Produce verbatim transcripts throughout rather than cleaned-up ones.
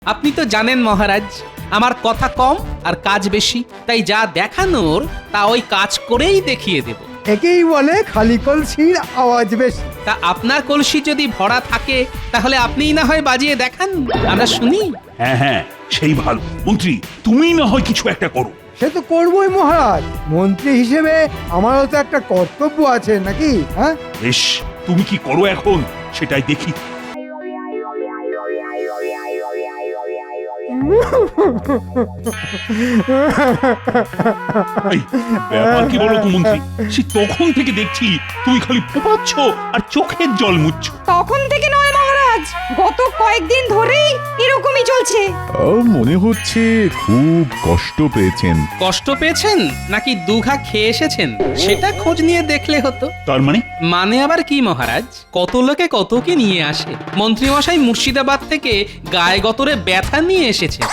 আপনি তো জানেন মহারাজ, আমার কথা কম আর কাজ বেশি, তাই যা দেখানোর তা ওই কাজ করেই দেখিয়ে দেব। একেই বলে খালি কলসির আওয়াজ বেশি। তা আপনার কলসি যদি ভরা থাকে তাহলে আপনিই না হয় বাজিয়ে দেখান, আমরা শুনি। হ্যাঁ হ্যাঁ, সেই ভালো। মন্ত্রী, তুমি না হয় কিছু একটা করো। সে তো করবোই মহারাজ, মন্ত্রী হিসেবে আমারও তো একটা কর্তব্য আছে নাকি? হ্যাঁ, বেশ, তুমি কি করো এখন সেটাই দেখি। এই, ব্যাপার কি বলো তো মন্ত্রী, সে তখন থেকে দেখছি তুমি খালি ফোপাচ্ছ আর চোখের জল মুছছ। তখন থেকে নয় মহারাজ, গত কয়েকদিন ধরেই এরকমই চলছে। ও, মনে হচ্ছে খুব কষ্ট পেয়েছেন। কষ্ট পেয়েছেন নাকি দুঘা খেয়ে এসেছেন সেটা খোঁজ নিয়ে দেখলে হতো। তার মানে? মানে আবার কি মহারাজ, কত লোকে কত কি নিয়ে আসে। মন্ত্রীমশাই মুর্শিদাবাদ থেকে গায়ে গতরে ব্যথা নিয়ে এসেছে।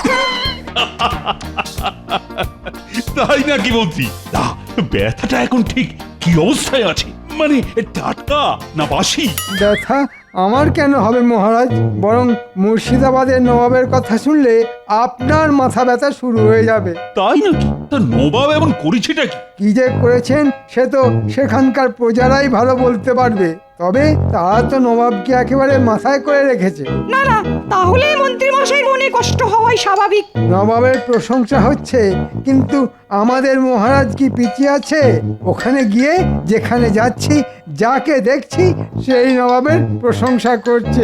তাই নাকি মন্ত্রী? না, ব্যথাটা এখন ঠিক কি অবস্থায় আছে? মানে টাটকা না বাসি? ব্যথা আমার কেন হবে মহারাজ, বরং মুর্শিদাবাদের নবাবের কথা শুনলে আপনার মাথা ব্যথা শুরু হয়ে যাবে। তাই নাকি? তা নবাব এমন করেছেটা কি? কি যে করেছেন সে তো সেখানকার প্রজারাই ভালো বলতে পারবে। তবে তারা তো নবাবকে একেবারে মাথায় করে রেখেছে। না না, তাহলে মন্ত্রী মশাইয়ের মনে কষ্ট হওয়াই স্বাভাবিক। নবাবের প্রশংসা হচ্ছে, কিন্তু আমাদের মহারাজ কি পিছিয়ে আছে? ওখানে গিয়ে যেখানে যাচ্ছি, যাকে দেখছি সেই নবাবের প্রশংসা করছে।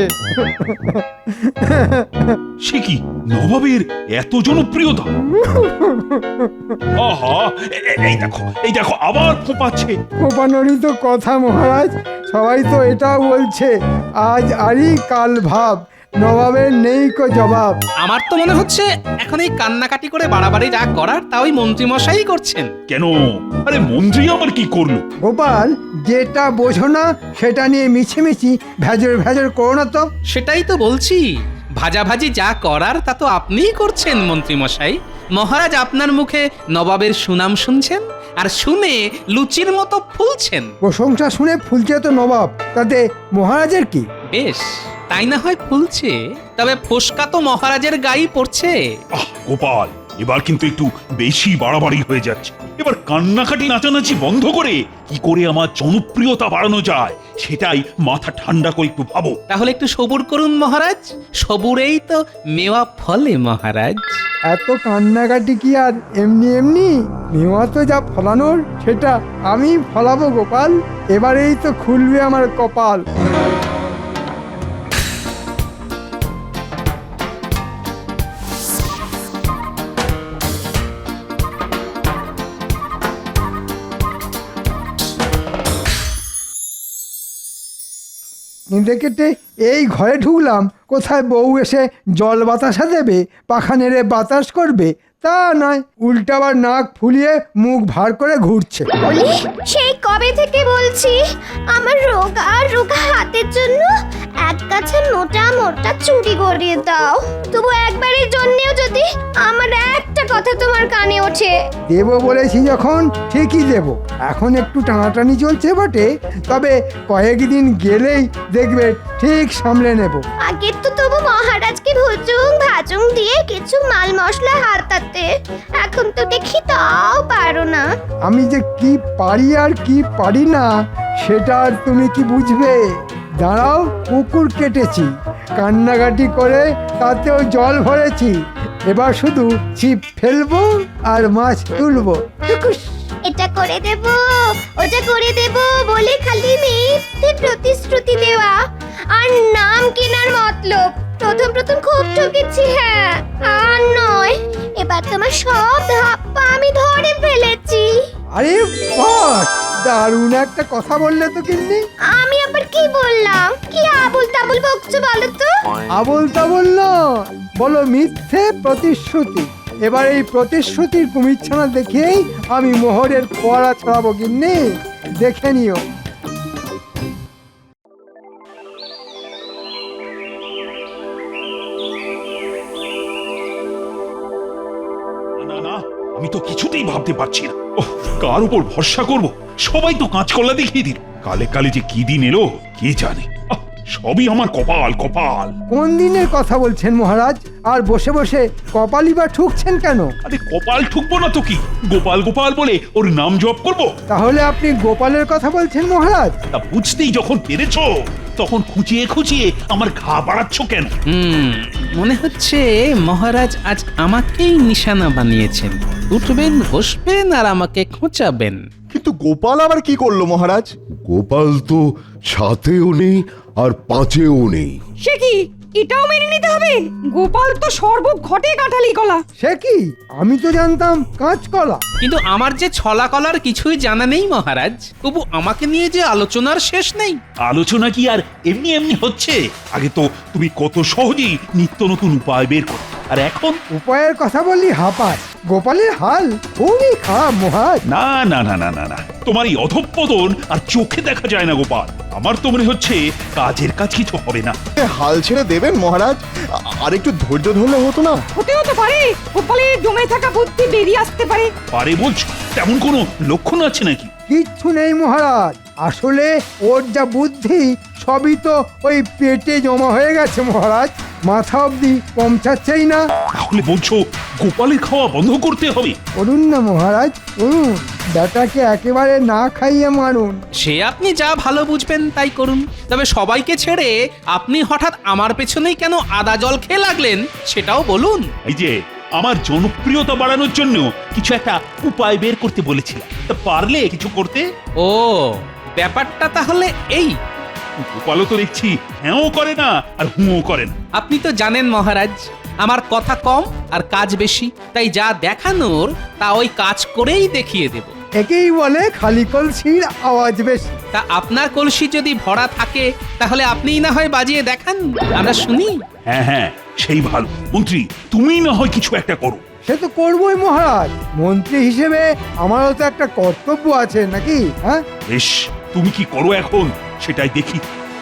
সে কি নবাবের এত জনপ্রিয়তা? আহা, এ- এ- এই দেখো, এই দেখো আবার ফোঁপাচ্ছে। কোপানোরই তো কথা মহারাজ, সবাই তো এটাও বলছে আজ আরি কাল ভাব, নবাবের নেই কো জবাব। আমার তো মনে হচ্ছে এখন এই কান্নাকাটি করে বাড়াবাড়ি যা করার তা ওই মন্ত্রীমশাই করছেন। কেন? আরে মন্ত্রী আবার কি করলো? গোপাল, যেটা বোঝো না সেটা নিয়ে মিছিমিছি ভেজর ভেজর করো না তো। সেটাই তো বলছি, ভাজাভাজি যা করার তা তো আপনিই করছেন মন্ত্রীমশাই। মহারাজ আপনার মুখে নবাবের সুনাম শুনছেন আর শুনে লুচির মতো ফুলছেন। প্রশংসা শুনে ফুলছে তো নবাব, তাতে মহারাজের কি? বেশ, তাই না হয় ফুলছে, তবে ফোসকা তো মহারাজের গায়ে পড়ছে। আহ গোপাল, এবার কিন্তু একটু বেশি বাড়াবাড়ি হয়ে যাচ্ছে। এবার কান্নাকাটি নাচানাচি বন্ধ করে কি করে আমার জনপ্রিয়তা বাড়ানো যায় সেটাই মাথা ঠান্ডা করে একটু ভাবো। তাহলে একটু সবুর করুন মহারাজ, সবুরেই তো মেওয়া ফলে মহারাজ। এত কান্নাকাটি কি আর এমনি এমনি? মেওয়া তো যা ফলানোর সেটা আমি ফলাবো গোপাল, এবারেই তো খুলবে আমার কপাল। কেঁদে কেটে এই ঘরে ঢুকলাম, কোথায় বউ এসে জল বাতাসা দেবে, পাখা নেড়ে বাতাস করবে, তা নয়, উল্টাবার নাক ফুলিয়ে মুখ ভার করে ঘুরছে। বলি, সেই কবে থেকে বলছি আমার রোগা রোগা হাতের জন্য এক গাছে মোটা মোটা চুড়ি গড়িয়ে দাও। তবু একবারের জন্যেও যদি আমার একটা কথা তোমার কানে ওঠে। দেব বলেছি যখন ঠিকই দেব। এখন একটু টানাটানি চলছে বটে, তবে কয়েকদিন গেলেই দেখবে ঠিক সামলে নেব। আগে তো তবু মহারাজকে ভুজুং ভাজুং দিয়ে কিছু মাল মশলা হাতাতে, এখন তো দেখি তাও পারো না। আমি যে কি পারি আর কি পারি না সেটা আর তুমি কি বুঝবে? দাঁড়াও, পুকুর কেটেছি, কান্নাকাটি করে তাতেও জল ভরেছি, এবার শুধু ছিপ ফেলবো আর মাছ তুলবো। টুকুস। এটা করে দেব, ওটা করে দেব বলে খালি মিথ্যে প্রতিশ্রুতি দেওয়া আর নাম কেনার মতলব। প্রথম প্রথম খুব ঠকেছি, হ্যাঁ, আর নয়, এবার তোমার সব ধাপ্পা আমি ধরে ফেলেছি। আরে বাস, দারুণ একটা কথা বললে তো কিন্নি। আমি আবার কি বললাম? কি আবুল তাবুল বকছো বলো তো? আবল তাবল না, বলো মিথ্যে প্রতিশ্রুতি। এবার এই প্রতিশ্রুতির কুমিরছানা দেখেই আমি মোহরের ফোয়ারা ছড়াবো কিন্নি, দেখে নিও। না না, আমি তো কিছুতেই ভাবতে পারছি না। ওহ, কার উপর ভরসা করব? সবাই তো কাঁচকলা দেখিয়ে দিল। কালে কালে যে কি দিন এলো কে জানে। আহ, সবই আমার কপাল কপাল। কোন দিনের কথা বলছেন মহারাজ? আর বসে বসে কপালই বা ঠুকছেন কেন? আরে কপাল ঠুকবো না তো কি, গোপাল গোপাল বলে ওর নাম জপ করব? তাহলে আপনি গোপালের কথা বলছেন মহারাজ? তা বুঝতেই যখন পেরেছো তখন খুঁচিয়ে খুঁচিয়ে আমার ঘা বাড়াচ্ছ কেন? হুম মনে হচ্ছে মহারাজ আজ আমাকেই নিশানা বানিয়েছেন। উঠবেন, বসবেন আর আমাকে খোঁচাবেন। কিন্তু গোপাল আবার কি করলো মহারাজ? গোপাল তো সাতেও নেই আর পাঁচেও নেই। সে কি, এটাও মেনে নিতে হবে? গোপাল তো সর্ব ঘটে কাঁঠালি কলা। সে কি, আমি তো জানতাম কাঁচকলা। কিন্তু আমার যে ছলা কলার কিছুই জানা নেই মহারাজ। তবু আমাকে নিয়ে যে আলোচনার শেষ নেই। আলোচনা কি আর এমনি এমনি হচ্ছে? আগে তো তুমি কত সহজেই নিত্য নতুন উপায় বের করো, আর এখন উপায়ের কথা বললি হাঁপায়। গোপালের হাল খুবই খারাপ মহারাজ। না না না না না না তোমার এই অধঃপতন আর চোখে দেখা যায় না গোপাল। আমার তো মনে হচ্ছে কাজের কাজ কিছু হবে না। এ, হাল ছেড়ে দেবেন মহারাজ? আ- আর একটু ধৈর্য ধরলে হতো না? হতেও তো পারে গোপালের জমে থাকা বুদ্ধি বেরিয়ে আসতে পারে। পারে বলছো? তেমন কোনো লক্ষণ আছে নাকি? কিচ্ছু নেই মহারাজ, আসলে ওর যা বুদ্ধি সবই তো ওই পেটে জমা হয়ে গেছে মহারাজ। মাথা অবধি পৌঁছাচ্ছেই না। তাহলে বলছো গোপালের খাওয়া বন্ধ করতে হবে? করুন না মহারাজ, করুন। বেটাকে একেবারে না খাইয়ে মারুন। সে আপনি যা ভালো বুঝবেন তাই করুন। তবে সবাইকে ছেড়ে আপনি হঠাৎ আমার পেছনেই কেন আদা জল খেয়ে লাগলেন সেটাও বলুন। এই যে আমার জনপ্রিয়তা বাড়ানোর জন্য কিছু একটা উপায় বের করতে বলেছিলাম, তা পারলে কিছু করতে? ও ব্যাপারটা তাহলে এই। গোপালও তো দেখছি হ্যাঁও করে না আর হুঁও করে না। আপনি তো জানেন মহারাজ, আমার কথা কম আর কাজ বেশি। তাই যা দেখানোর তা ওই কাজ করেই দেখিয়ে দেব। একেই বলে খালি কলসির আওয়াজ বেশি। তা আপনার কলসি যদি ভরা থাকে তাহলে আপনিই না হয় বাজিয়ে দেখান, আমরা শুনি। হ্যাঁ হ্যাঁ সেই ভালো। মন্ত্রী তুমি না হয় কিছু একটা করো। সে তো করবোই মহারাজ, মন্ত্রী হিসেবে আমারও তো একটা কর্তব্য আছে নাকি? হ্যাঁ, বেশ, তুমি কি করো এখন সেটাই দেখি।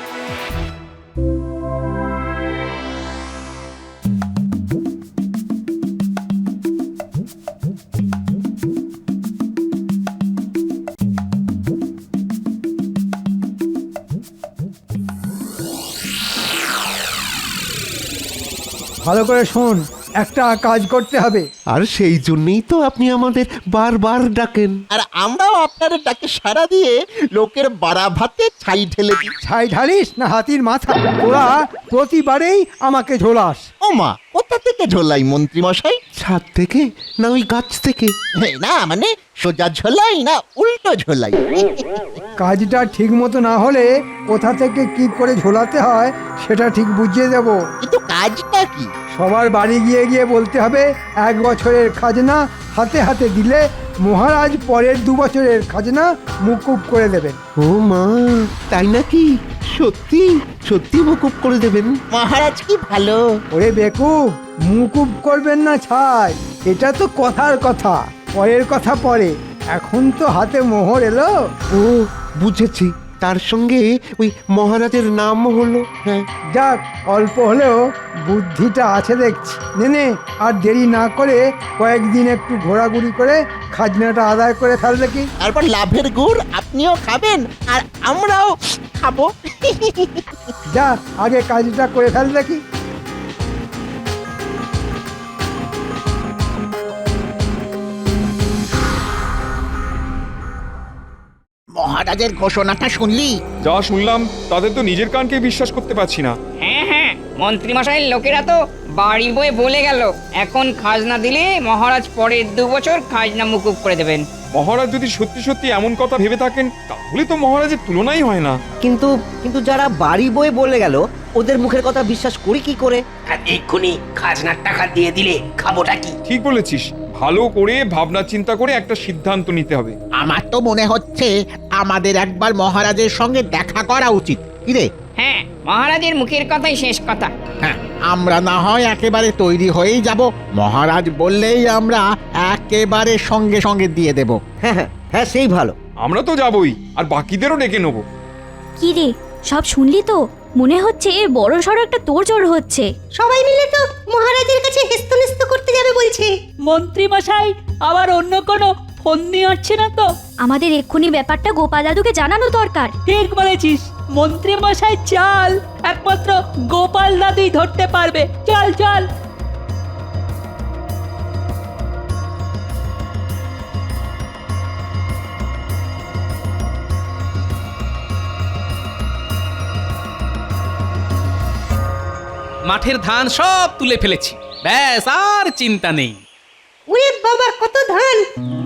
ভালো করে শোন, একটা কাজ করতে হবে। আর সেই জন্যই তো আপনি আমাদের বারবার ডাকেন। আর আমরাও আপনার ডাকে সাড়া দিয়ে লোকের বাড়া ভাতে ছাই ঢেলে দিই। ছাই ঢালিস না হাতির মাথা? তোরা প্রতিবারেই আমাকে ঝোলাস। ও মা, কোথা থেকে ঝোলাই মন্ত্রী মশাই? ছাদ থেকে না ওই গাছ থেকে? না মানে সোজা ঝোলাই না উল্টো ঝোলাই? কাজটা ঠিক মতো না হলে কোথা থেকে কি করে ঝোলাতে হয় সেটা ঠিক বুঝিয়ে দেব। কিন্তু কাজটা কি? সবার বাড়ি গিয়ে গিয়ে বলতে হবে এক বছরের খাজনা হাতে হাতে দিলে মহারাজ পরের দু বছরের খাজনা মুকুব করে দেবেন। ও মা, তাই নাকি? সত্যি সত্যি মুকুব করে দেবেন? মহারাজ কি ভালো। ওরে বেকুব, মুকুব করবেন না ছাই, এটা তো কথার কথা। পরের কথা পরে, এখন তো হাতে মোহর এলো। ও বুঝেছি, তার সঙ্গে ওই মহারাজের নাম হলো। হ্যাঁ, যাক, অল্প হলেও বুদ্ধিটা আছে দেখছি। নে নে, আর দেরি না করে কয়েকদিন একটু ঘোরাঘুরি করে খাজনাটা আদায় করে ফেলবে কি? তারপর লাভের গুড় আপনিও খাবেন আর আমরাও খাবো। যা, আগে কাজটা করে ফেলবে কি? মহারাজের ঘোষণাটা শুনলি? যা শুনলাম তাদের তো নিজের কানকে বিশ্বাস করতে পারছি না। হ্যাঁ হ্যাঁ, মন্ত্রীমশাইয়ের লোকেরা তো বাড়ি বয়ে বলে গেল এখন খাজনা দিলে মহারাজ পরের দু বছর খাজনা মুকুব করে দেবেন। মহারাজ যদি সত্যি সত্যি এমন কথা ভেবে থাকেন তাহলে তো মহারাজের তুলনাই হয় না। কিন্তু কিন্তু যারা বাড়ি বয়ে বলে গেল ওদের মুখের কথা বিশ্বাস করি কি করে? আর এক্ষুনি খাজনার টাকা দিয়ে দিলে খাবোটা কি? ঠিক বলেছিস, ভালো করে ভাবনা চিন্তা করে একটা সিদ্ধান্ত নিতে হবে। আমার তো মনে হচ্ছে আমাদের একবার মহারাজের সঙ্গে দেখা করা উচিত। কি রে? হ্যাঁ, মহারাজের মুখের কথাই শেষ কথা। হ্যাঁ, আমরা না হয় একেবারে তৈরি হয়েই যাব, মহারাজ বললেই আমরা একেবারে সঙ্গে সঙ্গে দিয়ে দেব। হ্যাঁ হ্যাঁ হ্যাঁ, সেই ভালো। আমরা তো যাবই, আর বাকিদেরও ডেকে নেবো। কি রে, সব শুনলি তো? মনে হচ্ছে বড় সড়ো একটা তোড়জোড় হচ্ছে। সবাই মিলে তো মহারাজের কাছে হেস্তনেস্ত করতে যাবে বলছে। মন্ত্রী মশাই আবার অন্য কোনো ফন্দি হচ্ছে না তো? আমাদের এক্ষুনি ব্যাপারটা গোপাল দাদুকে জানানো দরকার। ঠিক বলেছিস, মন্ত্রী মশাই চাল একমাত্র গোপাল দাদুই ধরতে পারবে। চল চল। মাঠের ধান সব তুলে ফেলেছি, ব্যাস আর চিন্তা নেই। ওরে বাবা, কত ধান!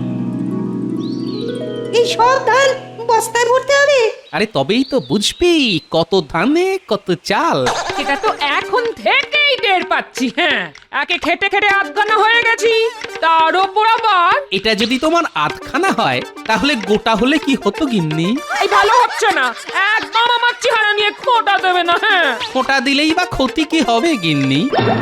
এই সব ধান বস্তায় ভরতে হবে? আরে তবেই তো বুঝবি কত ধানে কত চাল। এটা তো এখন থেকেই টের পাচ্ছি। হ্যাঁ, একে খেটে খেটে আধখানা হয়ে গেছি, তার উপর আবার এটা যদি তোমার আধখানা হয় তাহলে গোটা হলে কি হতো গিন্নি? এই ভালো হচ্ছে না। একদম আমার চেহারা নিয়ে খোঁটা দেবে না। হ্যাঁ, খোঁটা দিলেই বা ক্ষতি কি হবে গিন্নি?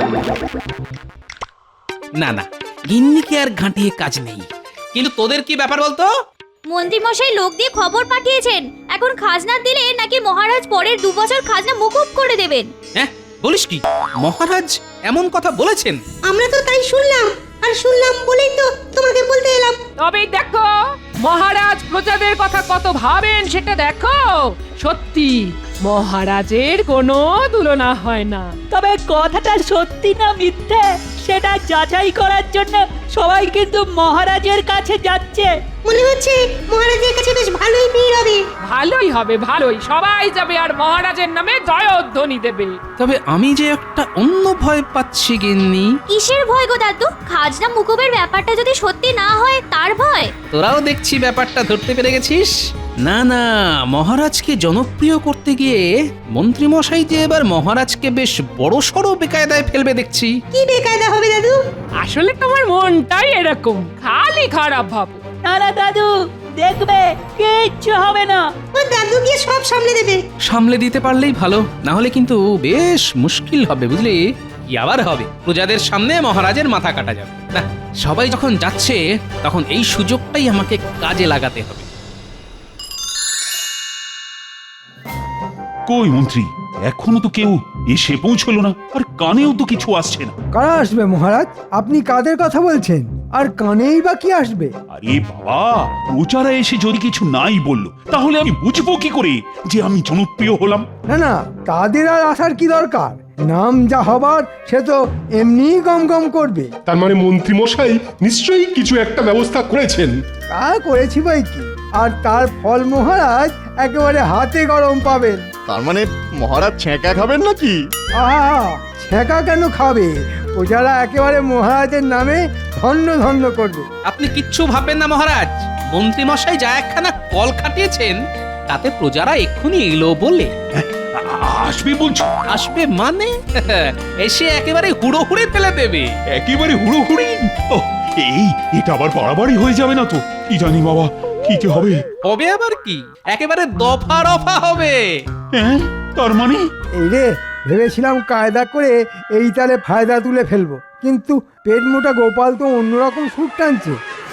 না না, গিন্নিকে আর ঘাঁটিয়ে কাজ নেই। কিন্তু তোদের কি ব্যাপার বলতো? মন্ত্রী মশাই লোক দিয়ে খবর পাঠিয়েছেন, এখন খাজনা দিলে নাকি মহারাজ পরের দু বছর খাজনা মুকুব করে দেবেন। হ্যাঁ, বলিস কি? মহারাজ এমন কথা বলেছেন? আমরা তো তাই শুনলাম, আর শুনলাম বলেই তো তোমাকে বলতে এলাম। তবে দেখো, মহারাজ প্রজাদের কথা কত ভাবেন সেটা দেখো। সত্যি মহারাজের কোনো তুলনা হয় না। তবে কথাটা সত্যি না মিথ্যে সেটা যাচাই করার জন্য সবাই কিন্তু মহারাজের কাছে যাচ্ছে। মনে হচ্ছে মহারাজের কাছে বেশ ভালোই ভিড় হবে। ভালোই হবে, ভালোই। সবাই যাবে আর মহারাজের নামে জয়ধ্বনি দেবে। তবে আমি যে একটা অন্য ভয় পাচ্ছি গিন্নি। কিসের ভয় গো দাদু? খাজনা মুকুবের ব্যাপারটা যদি সত্যি না হয় তার ভয়? তোরাও দেখছি ব্যাপারটা ধরতে পেরে গেছিস। না না, মহারাজকে জনপ্রিয় করতে গিয়ে মন্ত্রী মশাই যে এবার মহারাজকে বেশ বড় সড়ো বেকায়দায় ফেলবে দেখছি। কি বেকায়দা হবে দাদু? আসলে তোমার মনটাই এরকম, খালি খারাপ ভাবো। না না দাদু, দেখবে কিচ্ছু হবে না। ও দাদু গিয়ে সব সামলে দেবে। সামলে দিতে পারলেই ভালো, না হলে কিন্তু বেশ মুশকিল হবে বুঝলি। কি আবার হবে, প্রজাদের সামনে মহারাজের মাথা কাটা যাবে না। সবাই যখন যাচ্ছে তখন এই সুযোগটাই আমাকে কাজে লাগাতে হবে। কই মন্ত্রী, এখনো তো কেউ এসে পৌঁছলো না, আর কানেও তো কিছু আসছে না। কারা আসবে মহারাজ? আপনি কাদের কথা বলছেন? আর কানেই বা কি আসবে? আরে বাবা, প্রচারা এসে যদি কিছু নাই বললো, তাহলে আমি বুঝবো কি করে যে আমি জনপ্রিয় হলাম? না না, তাদের আর আসার কি দরকার? নাম যা হবার সে তো এমনিই গম গম করবে। তার মানে মন্ত্রী মশাই নিশ্চয়ই কিছু একটা ব্যবস্থা করেছেন। তা করেছি বই কি, আর তার ফল মহারাজ একেবারে হাতে গরম পাবেন। তার মানে মহারাজ ছেঁকা খাবেন নাকি? আহা, ছেঁকা কেন খাবে? প্রজারা একেবারে মহারাজের নামে ধন্য ধন্য করবে। আপনি কিচ্ছু ভাববেন না মহারাজ। মন্ত্রী মশাই যা একখানা কল খাটিয়েছেন তাতে প্রজারা এক্ষুনি এলো বলে। আসবে বলছো? আসবে মানে এসে একেবারে হুড়ো হুড়ে ফেলে দেবে। একেবারে হুড়ো হুড়ি? এই এটা আবার বাড়াবাড়ি হয়ে যাবে না তো? কি জানি বাবা, কি যে হবে। হবে আবার কি, একেবারে দফা রফা হবে। হ্যাঁ, তার মানে? এই রে, ভেবেছিলাম কায়দা করে এই তালে ফায়দা তুলে ফেলবো, কিন্তু পেট মোটা গোপাল তো অন্যরকম সুর টানছে।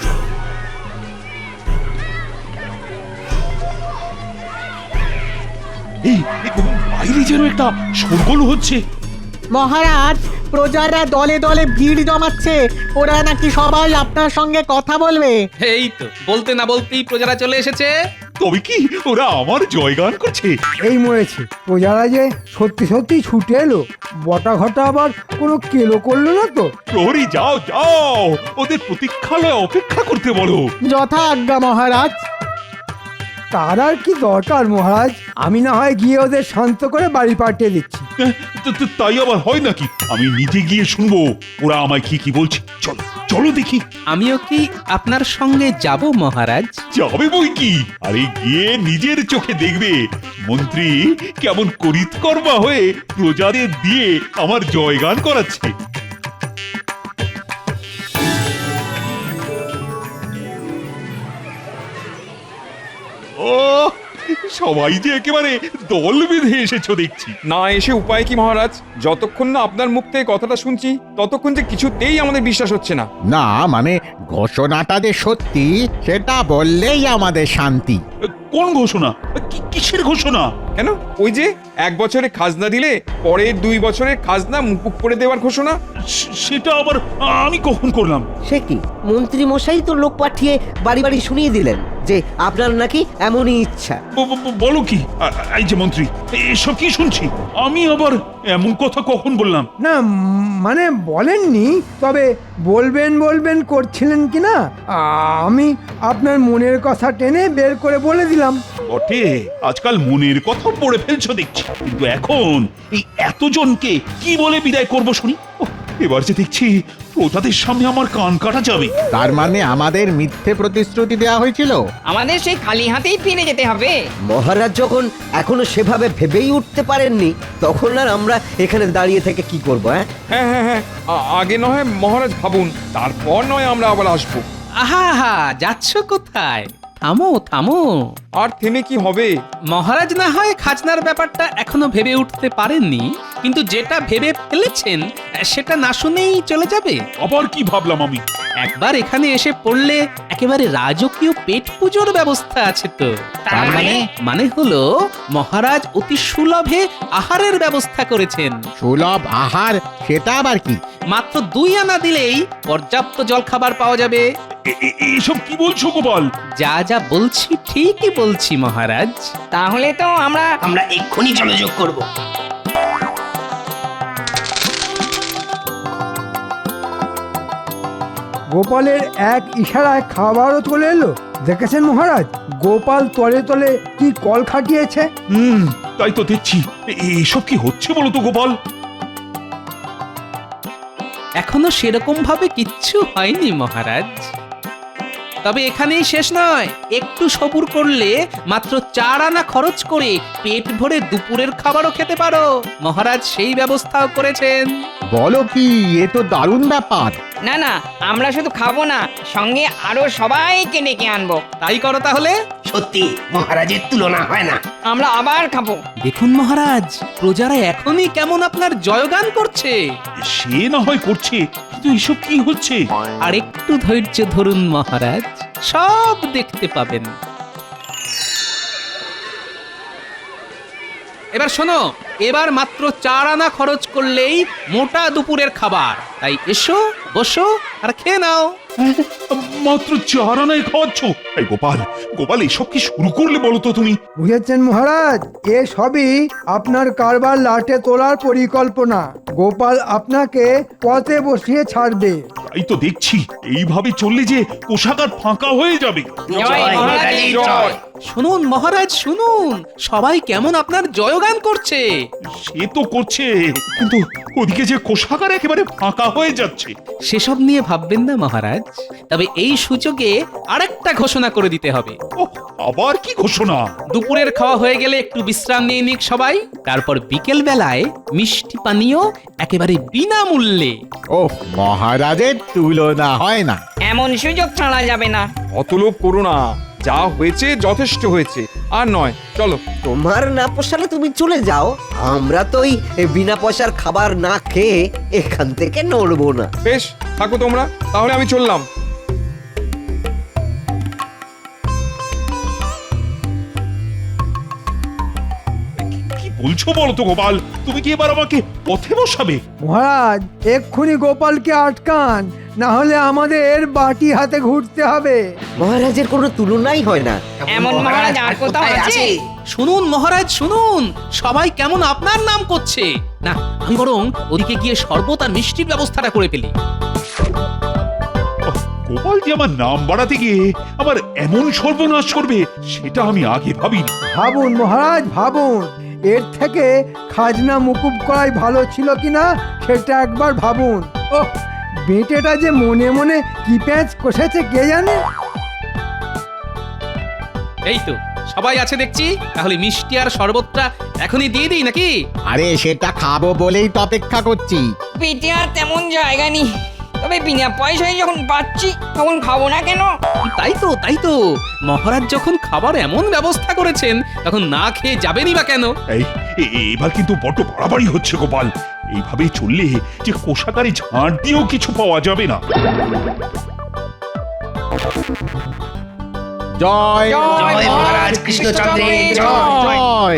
এই বাইরে যেন একটা শোরগোল হচ্ছে। মহারাজ, প্রজারা দলে দলে ভিড় জমাচ্ছে, ওরা নাকি সবাই আপনার সঙ্গে কথা বলবে। এই তো বলতে না বলতেই প্রজারা চলে এসেছে। তবে কি ওরা আমার জয়গান করছে? এই মরেছে, প্রজারা যে সত্যি সত্যি ছুটে এলো। বটা ঘটা আবার কোনো কেলো করলো না তো? প্রহরী যাও যাও, ওদের প্রতীক্ষালয়ে অপেক্ষা করতে বলো। যথা আজ্ঞা মহারাজ। তার আর কি দরকার মহারাজ? আমি না হয় গিয়ে ওদের শান্ত করে বাড়ি পাঠিয়ে দিচ্ছি। তাই আবার হয় নাকি? আমি নিজে গিয়ে শুনবো ওরা আমায় কি কি বলছে। চলো চলো দেখি। আমিও কি আপনার সঙ্গে যাব মহারাজ? যাবে বই কি, আরে গিয়ে নিজের চোখে দেখবে মন্ত্রী কেমন করিতকর্মা হয়ে প্রজাদের দিয়ে আমার জয়গান করাচ্ছে। ও সবাই যে একেবারে দল বেঁধে এসেছো দেখছি। না এসে উপায় কি মহারাজ? যতক্ষণ না আপনার মুখ থেকে কথাটা শুনছি ততক্ষণ যে কিছুতেই আমাদের বিশ্বাস হচ্ছে না। না মানে ঘোষণাটা যে সত্যি সেটা বললেই আমাদের শান্তি। কোন ঘোষণা? কিসের ঘোষণা? কেন, ওই যে এক বছরে খাজনা দিলে পরের দুই বছরের খাজনা মুকুব করে দেওয়ার ঘোষণা। সেটা আবার আমি কখন করলাম? সে কি, মন্ত্রী মশাই তো লোক পাঠিয়ে বাড়ি বাড়ি শুনিয়ে দিলেন। যে আপনার নাকি এমনই ইচ্ছা। ব- ব- বলো কি আ- এই যে মন্ত্রী এসব কি শুনছি? আমি আবার এমন কথা কখন বললাম? না উম, মানে বলেননি, তবে বলবেন বলবেন করছিলেন কি না, আমি আপনার মনের কথা টেনে বের করে বলে দিলাম। বটে, আজকাল মনের কথা পড়ে ফেলছো দেখছি, কিন্তু এখন এই এতজনকে কি বলে বিদায় করব শুনি? ওহ, এবার যে দেখছি প্রজাদের সামনে আমার কান কাটা যাবে। তার মানে আমাদের মিথ্যে প্রতিশ্রুতি দেওয়া হয়েছিল? আমাদের সেই খালি হাতেই ফিরে যেতে হবে। মহারাজ যখন এখনো সেভাবে ভেবেই উঠতে পারেননি, তখন আর আমরা এখানে দাঁড়িয়ে থেকে কি করবো? হ্যাঁ হ্যাঁ হ্যাঁ হ্যাঁ আ- আগে নয় মহারাজ ভাবুন, তারপর নয় আমরা আবার আসবো। আহা হা যাচ্ছ কোথায়? থামো থামো। আর থেমে কি হবে? মহারাজ না হয় খাজনার ব্যাপারটা এখনো ভেবে উঠতে পারেননি, কিন্তু যেটা ভেবে ফেলেছেন সেটা না শুনেই চলে যাবে। আবার কি ভাবলাম আমি? একবার এখানে এসে পড়লে একেবারে রাজকীয় পেট পুজোর ব্যবস্থা আছে তো। তার মানে? মানে হলো মহারাজ অতি সুলভে আহারের ব্যবস্থা করেছেন। সুলভ আহার? সেটা আবার কি? মাত্র দুই আনা দিলেই পর্যাপ্ত জলখাবার পাওয়া যাবে। এ- এ- এসব কি বলছো গোপাল? যা যা বলছি ঠিকই বলছি মহারাজ। তাহলে তো আমরা আমরা এক্ষুনি জলযোগ করব। গোপালের এক ইশারায় খাবারও চলে এলো। দেখেছেন মহারাজ, গোপাল তলে তলে কি কল খাটিয়েছে। হুম, তাই তো দেখছি। এ- এসব কি হচ্ছে বলো তো গোপাল? এখনো সেরকম ভাবে কিচ্ছু হয়নি মহারাজ, তবে এখানেই শেষ নয়। একটু সবুর করলে মাত্র চার আনা খরচ করে পেট ভরে দুপুরের খাবারও খেতে পারো। মহারাজ সেই ব্যবস্থাও করেছেন। বলো কি, এ তো দারুণ ব্যাপার। না না, আমরা শুধু খাবো না, সঙ্গে আরো সবাইকে ডেকে আনবো। তাই করো তাহলে। সত্যি মহারাজের তুলনা হয় না। আমরা আবার খাবো। দেখুন মহারাজ, প্রজারা এখনই কেমন আপনার জয়গান করছে। সে না হয় করছে, কিন্তু এসব কি হচ্ছে? আর একটু ধৈর্য ধরুন মহারাজ, সব দেখতে পাবেন। এবার শোনো, এবার মাত্র চার আনা খরচ করলেই মোটা দুপুরের খাবার। তাই এসো, বসো আর খেয়ে নাও। মাত্র চার আনায় খাওয়াচ্ছ? এই গোপাল, গোপাল এসব কি শুরু করলে বলো তো তুমি? বুঝেছেন মহারাজ, এ সবই আপনার কারবার লাটে তোলার পরিকল্পনা। গোপাল আপনাকে পথে বসিয়ে ছাড়বে। তাই তো দেখছি, এইভাবে চললে যে কোষাগার ফাঁকা হয়ে যাবে। জয় মহারাজের জয়। শুনুন মহারাজ শুনুন, সবাই কেমন আপনার জয়গান করছে। সে তো করছে, কিন্তু ওদিকে যে কোষাগার একেবারে ফাঁকা হয়ে যাচ্ছে। সেসব নিয়ে ভাববেন না মহারাজ, তবে এই সুযোগে আরেকটা ঘোষণা করে দিতে হবে। ওহ, আবার কি ঘোষণা? দুপুরের খাওয়া হয়ে গেলে একটু বিশ্রাম নিয়ে নিক সবাই, তারপর বিকেল বেলায় মিষ্টি পানীয় একেবারে বিনামূল্যে। ওহ, মহারাজের তুলনা হয় না। এমন সুযোগ ছাড়া যাবে না। অত লোভ করো না, যা হয়েছে যথেষ্ট হয়েছে, আর নয়। চলো। তোমার না পোষালে তুমি চলে যাও, আমরা তো ওই বিনা পয়সার খাবার না খেয়ে এখান থেকে নড়বো না। বেশ, থাকো তোমরা, তাহলে আমি চললাম। কি বলছো বলো তো গোপাল? তুমি কি এবার আমাকে পথে বসাবে? মহারাজ এক্ষুনি গোপালকে আটকান, না হলে আমাদের বাটি হাতে ঘুরতে হবে। মহারাজের কোনো তুলনাই হয় না। এমন মহারাজ আর কোথাও আছে? শুনুন মহারাজ শুনুন, সবাই কেমন আপনার নাম করছে। না, আমি বরং ওদিকে গিয়ে শরবত আর মিষ্টির ব্যবস্থাটা করে ফেলি। ওহ, গোপাল যে আমার নাম বাড়াতে গিয়ে আমার এমন সর্বনাশ করবে, সেটা আমি আগে ভাবিনি। ভাবুন মহারাজ ভাবুন, এর থেকে খাজনা মুকুব করাই ভালো ছিল কিনা সেটা একবার ভাবুন। ওহ, বেটেটা যে মনে মনে কি প্যাঁচ কষেছে কে জানে। এই তো সবাই আছে দেখছি, তাহলে মিষ্টি আর শরবতটা এখনই দিয়ে দিই নাকি? আরে সেটা খাবো বলেই তো অপেক্ষা করছি। পেটে আর তেমন জায়গা নেই, তবে বিনা পয়সায় যখন পাচ্ছি তখন খাবো না কেন? তাই তো তাই তো, মহারাজ যখন খাবার এমন ব্যবস্থা করেছেন তখন না খেয়ে যাবেনই বা কেন? এই এ- এবার কিন্তু বড্ড বাড়াবাড়ি হচ্ছে গোপাল। এইভাবে চললে যে কোষাগারে ঝাড় দিয়েও কিছু পাওয়া যাবে না। জয় জয় মহারাজ কৃষ্ণচন্দ্রের জয়। জয়।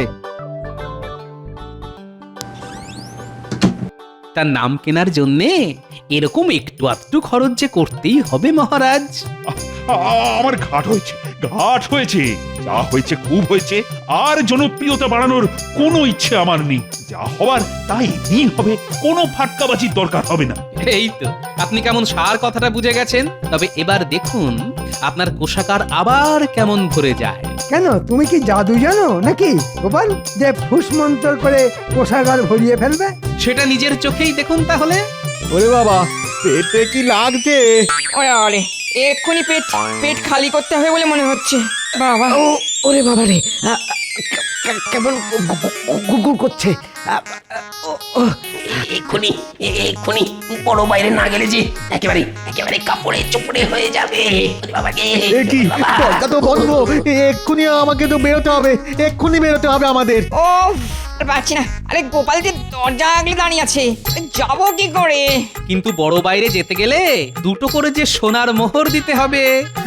তার নাম কেনার জন্যে এরকম একটু আধটু খরচ যে করতেই হবে মহারাজ। আহ, আ- আমার ঘাট হয়েছে ঘাট হয়েছে যা হয়েছে খুব হয়েছে আর জনপ্রিয়তা বাড়ানোর কোনো ইচ্ছে আমার নেই যা হওয়ার তাই এমনি হবে কোনো ফাটকাবাজির দরকার হবে না এই তো আপনি কেমন সার কথাটা বুঝে গেছেন। তবে এবার দেখুন আপনার কোষাগার আবার কেমন ভরে যায়। কেন তুমি কি জাদু জানো নাকি গোপাল, যে ফুসমন্তর করে কোষাগার ভরিয়ে ফেলবে? সেটা নিজের চোখেই দেখুন তাহলে। ওরে বাবা, পেটে কি লাগছে? ওরে ওরে এক্ষুনি পেট পেট খালি করতে হবে বলে মনে হচ্ছে বাবা। ও ওরে বাবা রে, আ, আ, কে- কেমন গুগুর করছে। আ, ও, ও, এক্ষুনি এ- এক্ষুনি বড় বাইরে না গেলে যে একেবারে একেবারে কাপড়ে চোপড়ে হয়ে যাবে ওরে বাবা রে, এ কি বাবা। দরজা তো বন্ধ, এক্ষুনি আমাকে তো বেরোতে হবে, এক্ষুনি বেরোতে হবে আমাদের। ও আর পাচ্ছি না। আরে গোপাল যে দরজা আগলে দাঁড়িয়ে আছে, যাবো কি করে? কিন্তু বড় বাইরে যেতে গেলে দুটো করে যে সোনার মোহর দিতে হবে।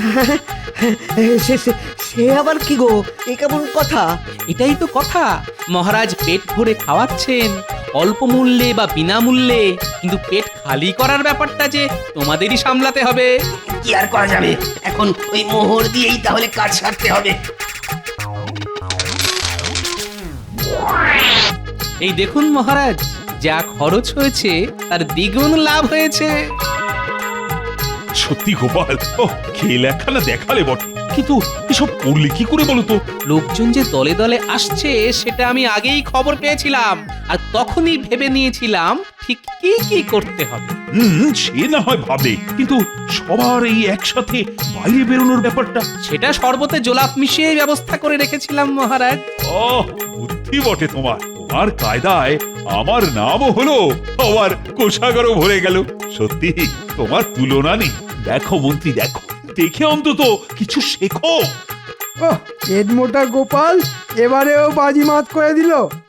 সে সে- সে আবার কি গো, এ কেমন কথা? এটাই তো কথা, মহারাজ পেট ভরে খাওয়াচ্ছেন অল্প মূল্যে বা বিনামূল্যে, কিন্তু পেট খালি করার ব্যাপারটা যে তোমাদেরই সামলাতে হবে। কি আর করা যাবে, এখন ওই মোহর দিয়েই তাহলে কাজ সারতে হবে। এই দেখুন মহারাজ, যা খরচ হয়েছে তার দ্বিগুণ লাভ হয়েছে। সত্যি গোপাল, ও খেল একখানা দেখালে বটে, কিন্তু এসব করলে কি করে বলো তো? লোকজন যে দলে দলে আসছে সেটা আমি আগেই খবর পেয়েছিলাম, আর তখনই ভেবে নিয়েছিলাম ঠিক কি কি করতে হবে। হুম, সে না হয় ভাবে, কিন্তু সবার এই একসাথে বাইরে বেরোনোর ব্যাপারটা। সেটা শরবতে জোলাপ মিশিয়ে ব্যবস্থা করে রেখেছিলাম মহারাজ। ও বুদ্ধি বটে তোমার, তোমার কায়দায় আমার নামও হলো, আবার কোষাগারও ভরে গেল। সত্যি তোমার তুলনা নেই। দেখো মন্ত্রী, দেখো, দেখে অন্তত কিছু শেখো। ও পেট মোটা গোপাল এবারেও বাজিমাত করে দিল।